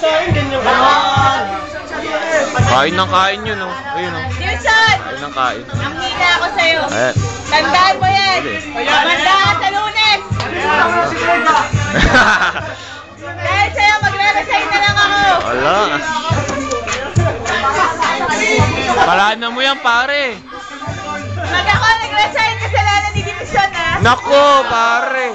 sa akin, ganyan ka. Kain ng kain yun, oh. Ayun, oh. Dilson! Kain ng kain. Ang hina ako sa'yo. Ayan. Tandaan mo yan. Manda ka sa Lunes. Dahil sa'yo, magre-resign na lang ako. Wala. Paraan mo yan, pare. Pag ako nag-resign, kasalanan ni Dilson, ha? Nako, pare.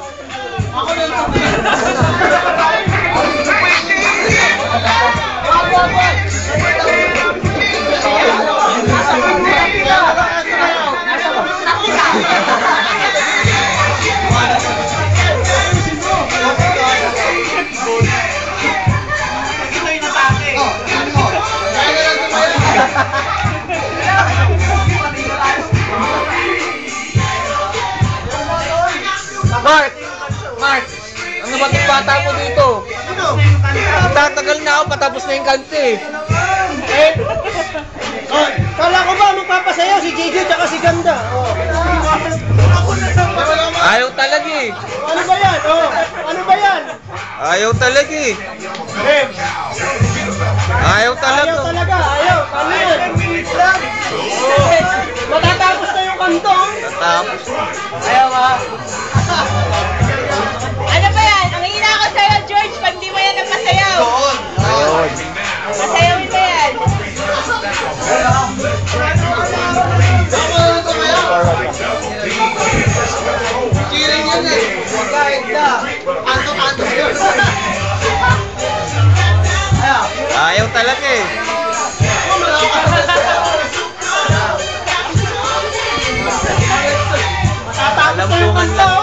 Mark, ano ba itong bata mo dito? Tatagal na ako, patapos na yung kante. Kala ko ba magpapasayaw si JJ tsaka si Ganda? Ayaw talaga eh. Ano ba yan? Ano ba yan? Ayaw talaga eh. Ayaw talaga. Ayaw talaga, ayaw. Ano yan? Matatapos na yung kanto. Tatapos. Ayaw ha. Ano ba yan? Ang hina ako sa'yo, George, pag di mo yan napasayaw. Ayun. Masayawin mo yan. Cheering yun eh. Kahit na. Antok-antok yun. Ayaw talaga eh. Matatapos na yung kanto.